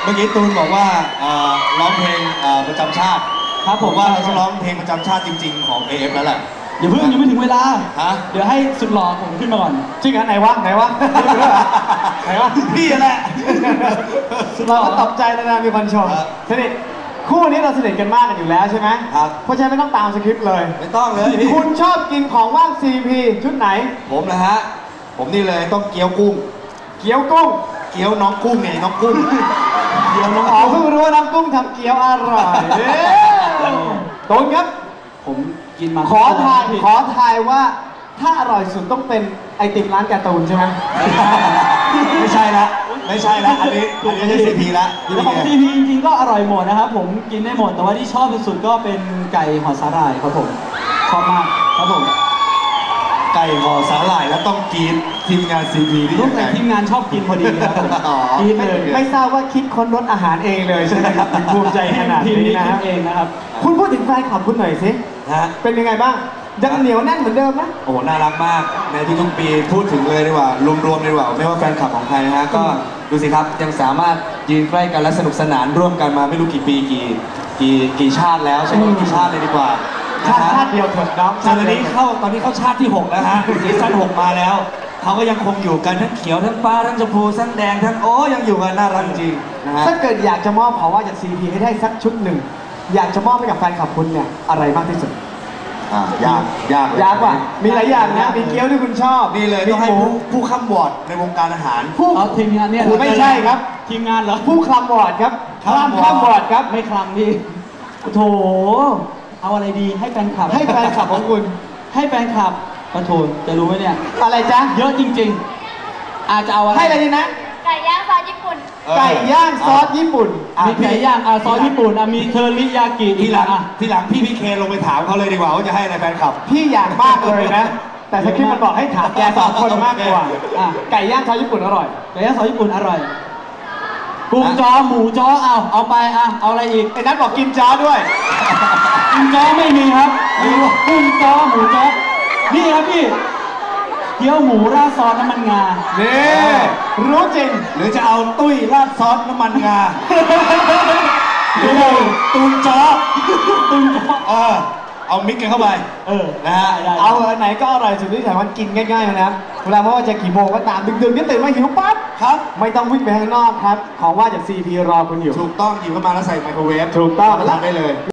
มื่อกี้ตูนบอกว่าร้องเพลงประจำชาติครับผมว่าเราต้องร้องเพลงประจำชาติจริงๆของ AF แล้วแหละอย่าเพิ่งยังไม่ถึงเวลาเดี๋ยวให้สุดหล่อผมขึ้นมาก่อนจริงเหรอไหนวะไหนวะพี่แหละเราก็ตกใจนะมีคนชมสนิทคู่นี้เราสนิทกันมากกันอยู่แล้วใช่ไหมครับเพราะฉะนั้นไม่ต้องตามสคริปต์เลยไม่ต้องเลยพี่คุณชอบกินของว่าง CP ชุดไหนผมนะฮะผมนี่เลยต้องเกี๊ยวกุ้งเกี๊ยวกุ้งเกี๊ยวน้องกุ้งไงน้องกุ้งเกี๊ยวน้องอ๋อเพิ่งรู้ว่าน้องกุ้งทำเกี๊ยวอร่อยตูนครับผมกินมาขอทายว่าถ้าอร่อยสุดต้องเป็นไอติมร้านการ์ตูนใช่ไหมไม่ใช่ละอันนี้ไม่ใช่CPละของ CP จริงๆก็อร่อยหมดนะครับผมกินได้หมดแต่ว่าที่ชอบที่สุดก็เป็นไก่ห่อสาหร่ายครับผมชอบมากครับผมไก่ห่อสาหร่ายแล้วต้องกินทีมงานCPที่ลูกแต่ทีมงานชอบกินพอดีครับผมกินเลยไม่ทราบว่าคิดค้นรสอาหารเองเลยใช่ไหมครับภูมิใจขนาดนี้นะเองนะครับคุณพูดถึงแฟนคลับคุณหน่อยสิเป็นยังไงบ้างยังเหนียวแน่นเหมือนเดิมไหมโอ้น่ารักมากในทุกปีพูดถึงเลยดีกว่ารวมๆเลยดีกว่าไม่ว่าแฟนคลับของใครนะฮะก็ดูสิครับยังสามารถยืนใกล้กันและสนุกสนานร่วมกันมาไม่รู้กี่ปีกี่ชาติแล้วใช่ไหมกี่ชาติเลยดีกว่าชาติเดียวเถิดน้องตอนนี้เข้าชาติที่6แล้วฮะซีซั่น6มาแล้วเขาก็ยังคงอยู่กันทั้งเขียวทั้งฟ้าทั้งชมพูทั้งแดงทั้งยังอยู่กันน่ารักจริงนะฮะถ้าเกิดอยากจะมอบของว่าจาก CP ให้ได้สักชุดหนึ่งอยากจะมอบให้กับแฟนคลับคุณเนี่ยอะไรมากที่สุดยากว่ะมีหลายอย่างนะมีเกี๊ยวที่คุณชอบนี่เลยต้องให้ผู้ค้ำวอร์ดในวงการอาหารทีมงานเนี่ยไม่ใช่ครับทีมงานเหรอผู้คลำวอร์ดครับคลำวอร์ดครับไม่คลำพี่โถเอาอะไรดีให้แฟนคลับของคุณให้แฟนคลับประโถจะรู้ไหมเนี่ยอะไรจ๊ะเยอะจริงๆอาจจะเอาอะไรให้อะไรดีนะไก่ย่างซอสญี่ปุ่นไก่ย่างซอสญี่ปุ่นมีไก่ย่างซอสญี่ปุ่นมีเทอริยากิทีหลังพี่เคลงไปถามเขาเลยดีกว่าว่าจะให้อะไรแฟนคลับพี่อยากมากเลยนะแต่สคริปต์มันบอกให้ถามแก2 คนมากกว่าไก่ย่างซอสญี่ปุ่นอร่อยไก่ย่างซอสญี่ปุ่นอร่อยกุ้งจ้อหมูจ้อเอาไปเอาอะไรอีกไอ้นัทบอกกินจ้อด้วยกินจ้อไม่มีครับกุ้งจ้อหมูจ้อนี่ครับพี่เกี๊ยวหมูราดซอสน้ำมันงานี่รู้จริงหรือจะเอาตุ้ยราดซอสน้ำมันงาตูนจ้อเอามิกกันเข้าไปนะฮะเอาไหนก็อร่อยสุดที่สามารถกินง่ายๆนะครับเวลาไม่ว่าจะกี่โมงก็ตามดึกๆนี่ตื่นมาหิวปั๊บครับไม่ต้องวิ่งไปข้างนอกครับของว่าจาก CP รอคุณอยู่ถูกต้องหยิบเข้ามาแล้วใส่ไมโครเวฟถูกต้องทำได้เลย